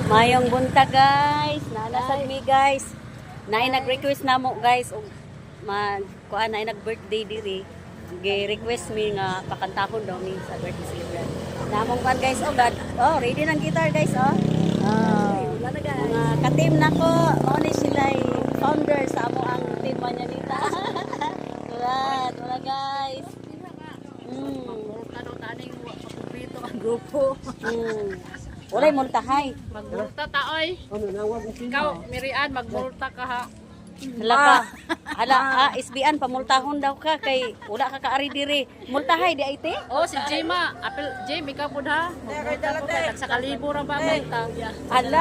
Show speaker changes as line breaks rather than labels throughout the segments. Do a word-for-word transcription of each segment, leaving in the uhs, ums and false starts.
Mayong bunta guys, nalasad mi guys. Naay nag-request na mo guys og mag kuan naay nag-birthday diri. Gi-request mi nga pakantahon daw mi sa birthday celebration. Namong kuan guys oh God. Oh, ready nang guitar guys oh. Oh, mga ka-team nako, mao ni sila founder sa amo ang team Manyanita. Wala, wala guys. Mm.
Tanong taning paborito ang grupo.
Mm. Walay multahay.
Magmulta ta oy. Ikaw, Mirian, magmulta ka ha.
Hala ka. Hala, ah, S B N pamultahon daw ka kay wala ka kaari diri. Multahay di ay te?
Oh, si Jema, apel Jem ikaw pud ha. Magmulta ko kay sa kalibo ra ba multa.
Hala.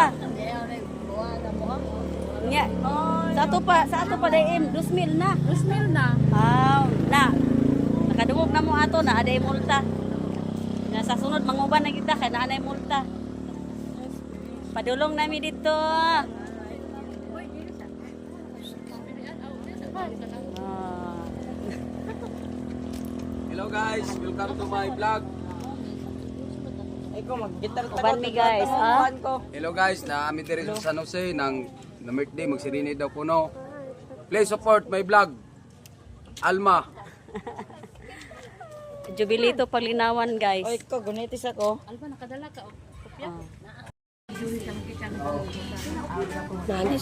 Nya. Sa ato pa, sa ato pa dayon two mil na.
two mil na.
Aw, na. Nakadungog na mo ato na aday multa. Na sa sunod manguban na kita kay naa nay multa. Padulong nami dito. Ah.
Hello guys, welcome to my vlog.
Uban mi guys, ah.
Hello guys, na amin diri sa San Jose nang na birthday magsirini daw puno. Please support my vlog. Alma.
Jubilito Paglinawan guys.
Oy, ko gunitis ako.
Alba nakadala ka og kopya.
Ah.
Nani